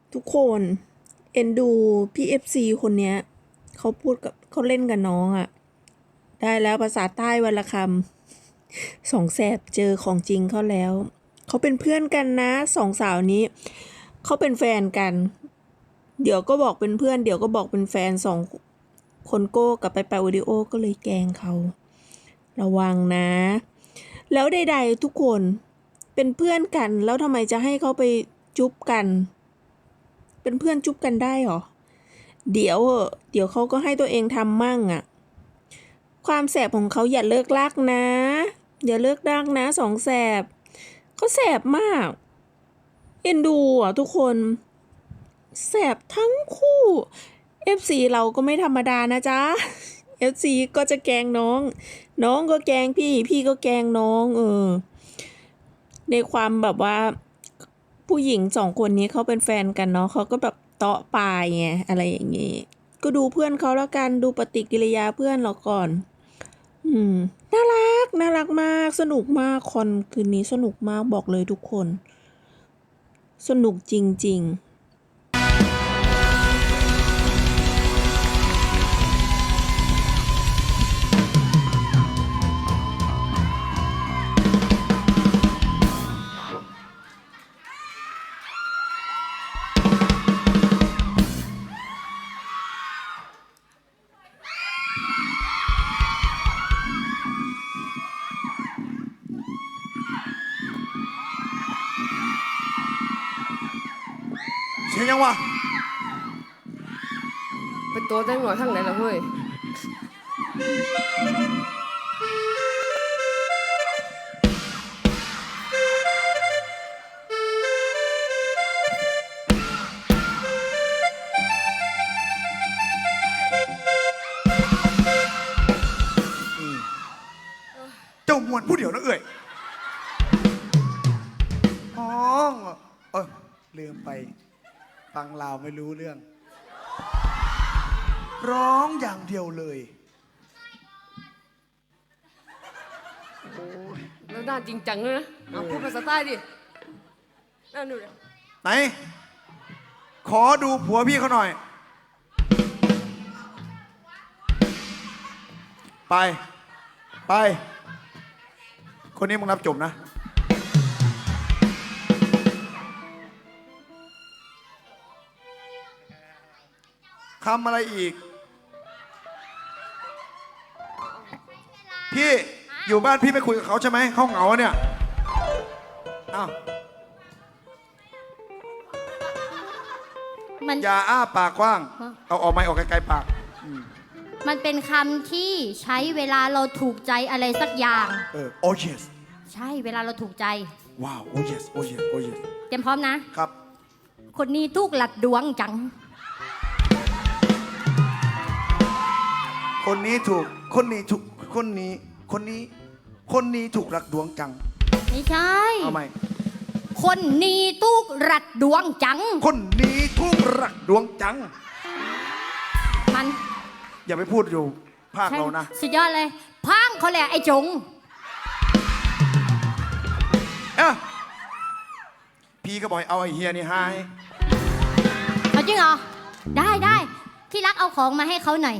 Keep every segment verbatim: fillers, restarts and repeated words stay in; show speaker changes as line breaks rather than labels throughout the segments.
ทุกคนเอ็นดูพี่เอฟซีคนเนี้ยเขาพูดกับเขาเล่นกับน้องอะ่ะได้แล้วภาษาใต้วันละคำสองแสบเจอของจริงเขาแล้วเขาเป็นเพื่อนกันนะสองสาวนี้เขาเป็นแฟนกันเดี๋ยวก็บอกเป็นเพื่อนเดี๋ยวก็บอกเป็นแฟนสองคนโก้กับไปไปวิดีโอก็เลยแกล้งเขาระวังนะแล้วใดๆทุกคนเป็นเพื่อนกันแล้วทำไมจะให้เขาไปจุ๊บกันเป็นเพื่อนจุ๊บกันได้หรอเดี๋ยวเหอะเดี๋ยวเขาก็ให้ตัวเองทำมั่งอะความแสบของเขาอย่าเลิกลากนะอย่าเลิกลากนะสองแสบเขาแสบมากเอ็นดูอ่ะทุกคนแสบทั้งคู่ เอฟ ซี เราก็ไม่ธรรมดานะจ๊ะ เอฟ ซี ก็จะแกล้งน้องน้องก็แกล้งพี่พี่ก็แกล้งน้องเออในความแบบว่าผู้หญิงสองคนนี้เขาเป็นแฟนกันเนาะเขาก็แบบเตาะปลายไงอะไรอย่างงี้ก็ดูเพื่อนเขาแล้วกันดูปฏิกิริยาเพื่อนเราก่อนอืมน่ารักน่ารักมากสนุกมากคอนคืนนี้สนุกมากบอกเลยทุกคนสนุกจริงๆ
เสียงยังวะ
เป็นตัวได้หน่อยทั้งไหนล่ะเฮ้ย
เจ้ามวนผู้เดียวนะเอ่ยอ๋อเออลืมไปฟังลาวไม่รู้เรื่อง ร้องอย่างเดียวเลย
แล้วด้านจริงจังเลยนะเอาพูดภาษาใต้ดินั่นดูดิ
ไหน ขอดูผัวพี่เขาหน่อย ไป ไป คนนี้มึงรับจบนะ คำอะไรอีก พี่อยู่บ้านพี่ไม่คุยกับเขาใช่ไหมเขาเหงาเนี่ยอ้าว
มัน
อย่าอ้าปากกว้าง เอาออกไม้ออกไกลๆปาก
มันเป็นคำที่ใช้เวลาเราถูกใจอะไรสักอย่าง
เออ oh yes
ใช่เวลาเราถูกใจ
ว้าว oh yes oh yes oh yes
เตรียมพร้อมนะ
ครับ
คนนี้ทุกหลัดดวงจัง
คนนี้ถูก คนนี้ถูก คนนี้ คนนี้ คนนี้ถูกรักดวงจัง
ไม่ใช่
เอาใหม่
คนนี้ทุกหลัดดวงจัง
คนนี้ถูกรักดวงจัง
มัน
อย่าไปพูดอยู่ภาค
ใช่
เรานะ
สุดยอดเลยพังเขาแหละไอ้จง
เอ้าพี่ก็บอกให้เอาไอ้เฮียนี่ให้
เอาจริงเหรอ ได้ได้ที่รักเอาของมาให้เขาหน่อย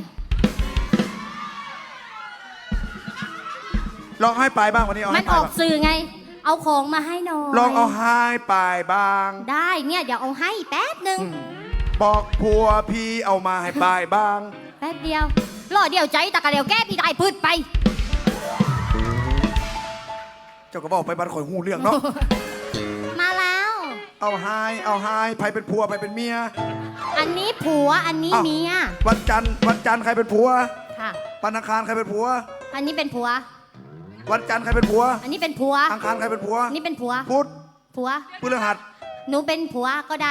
ลองให้ปลายบ้างวันนี้เอา
มั
ให้
น
ป
อ
ลาย
อก
บ้าง
สื่อไง เอาของมาให้หน่อย
ลองเอาให้ปลายบ้าง
ได้เนี่ยเดี๋ยวเอาให้แป๊บหนึ่ง
บอกผัวพี่เอามาให้ปลายบ้าง
แป๊บเดียวรอเดียวใจตะกะเดียวแก้พี่ได้พืชไป
เจ้าก็บอกไปบ้านข่อยหูเรื่องเนาะ
มาแล้ว
เอาให้เอาให้ใครเป็นผัวใครเป็นเมีย
อันนี้ผัวอันนี้
อ้าว
เมีย
วันจันทร์วันจันทร์ใครเป็นผัว
ค่ะ
วันอังคารใครเป็นผัว
อันนี้เป็นผัว
วันจันทร์ใครเป็นผัว
อันนี้เป็นผัว
อังคารใครเป็นผัว
อันนี้เป็นผัว
พุธ
ผัว
พฤหัส
หนูเป็นผัวก็ได้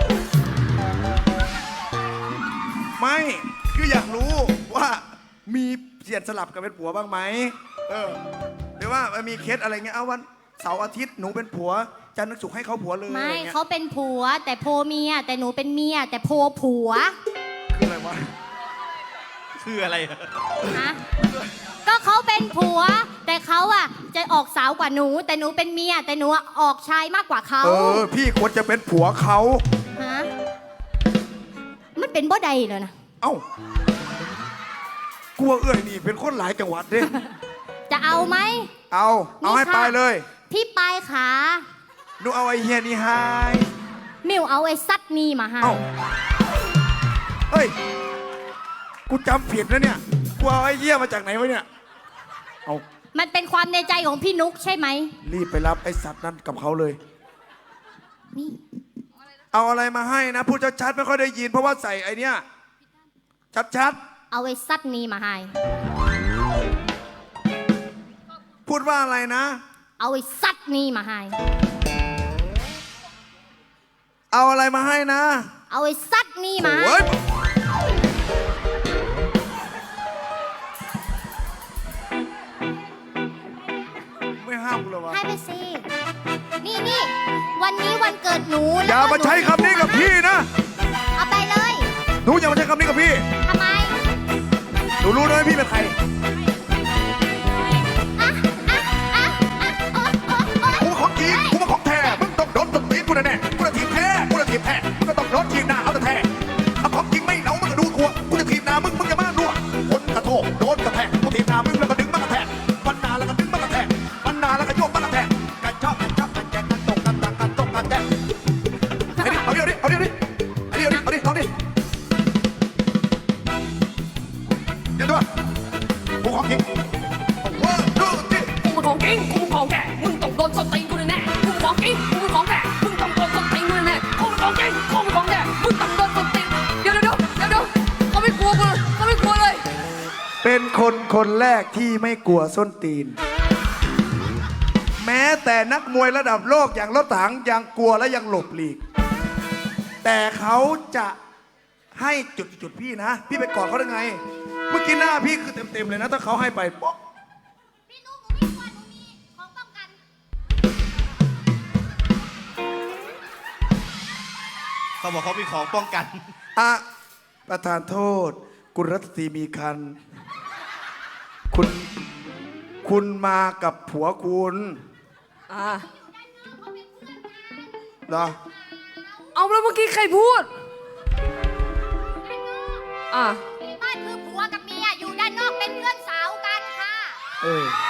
ไม่คืออยากรู้ว่ามีเสียดสลับกันเป็นผัวบ้างไหมเออหรือว่ามันมีเคสอะไรเงี้ยเอาวันเสาร์อาทิตย์หนูเป็นผัวจันทร์ถึงศุกร์ให้เขาผัวเลย
ไม่
อะไรงี้ย
เขาเป็นผัว แต่โพเมีย แต่หนูเป็นเมีย แต่โพผัว
คืออะไรวะ
คืออะไรอะ
นะก็เขาเป็นผัว แต่เขาอะจะออกสาวกว่าหนู แต่หนูเป็นเมีย แต่หนูอะออกชายมากกว่าเขา
เออพี่ควรจะเป็นผัวเขา
ฮะเป็นบ่ใดแล้วนะ
เอ้ากลัวเอื้อยนี่เป็นคนหลายจังหวัดเด้
จะเอาไหม
เอาเอาให้
นี่ค่ะ
ไปเลย
พี่ปายขา
หนูเอาไอ้เฮียนี่ให้
มิวเอาไอ้ซัดนี่มาให้
เอ้าเฮ้ยกูจำผิดนะเนี่ยกูเอาไอ้เฮียมาจากไหนวะเนี่ยเอา
มันเป็นความในใจของพี่นุกใช่ไหม
รีบไปรับไอ้สัตว์นั้นกับเขาเลย
นี่
เอาอะไรมาให้นะพูดชัดๆไม่ค่อยได้ยินเพราะว่าใส่ไอ้เนี่ยชัด
เอาไอ้ซัดนี่มาให้
ๆพูดว่าอะไรนะ
เอาไอ้ซัดนี่มาให้
เอาอะไรมาให้นะ
เอาไอ้ซัดนี่มาให้
โอ้ยไม่ห้ามกูเหรอวะ
ให้ไปสิ นี่นี่วันนี้วันเกิดหนู
อ
แล้ว
ย่ามาใช้คำนี้กับพี่นะ
เอาไปเลย
หนูอย่ามาใช้คำนี้กับพี่
ทำไม
หนูรู้นะว่าพี่เป็นใคร
อ่ะอ่ะอ่ะอ่ะโอ๊ยโอ๊ยโอ๊ย
กูของจริงกูมาของแท้ มึงต้องโดนตบตีนกูแน่ๆกูจะทีบแท้กูจะทีบแท้มึงก็ต้องโดนทีบหน้าเอาแต่แท้เอาของจริงไม่เอามึงก็ดูกลัวกูจะทีบหน้ามึงมึงอย่ามาดูคนกระโถโดนกระแทกกูทีบหน้ามึงแล้วก็ดึงมากระแทกมันนานแล้วก็ดึงมากระแทกมันนานแล้วก็โยกมากระแทกกันชอบกันชอบกันแจกกันตกกันตักกันตกกันแจกเอาดิเอาดิเอาดิเอาดิเอาดิเอาดิเอาดิเอาดิเดี๋ยวดูกูของจริงว่าดูดิ
กูเป็นของจริงกูเป็นของแก่มึงต้องโดนส้นตีนกูแน่ๆกูเป็นของจริงกูเป็นของแก่มึงต้องโดนส้นตีนกูแน่ๆกูเป็นของจริงกูเป็นของแก่มึงต้องโดนส้นตีนเดี๋ยวเดี๋ยวเดี๋ยวเดี๋ยวเขาไม่กลัวกูเลยเขาไม่กลัวเลย
เป็นคนคนแรกที่ไม่กลัวส้นตีน แม้แต่นักมวยระดับโลกอย่างรถถังยังกลัวและยังหลบหลีก แต่เขาจะให้จุดจุดๆพี่นะ พี่ไปกอดเขาได้ไง เมื่อกี้หน้าพี่คือเต็มๆเลยนะถ้าเขาให้ไปป๊อก
พี่นุกหนูไม่กลัวหนูมีของป้องกัน
เขาบอกเขามีของป้องกัน
อ่ะประธานโทษ คุณรัตตีมีคัน คุณคุณมากับผัวคุณ
อ่า
เหรอ
เอาแล้วเมื่อกี้ใครพูดอ่า
บ้านคือผัวกับเมียอยู่ด้านนอกเป็นเพื่อนสาวกันค่ะ
เออ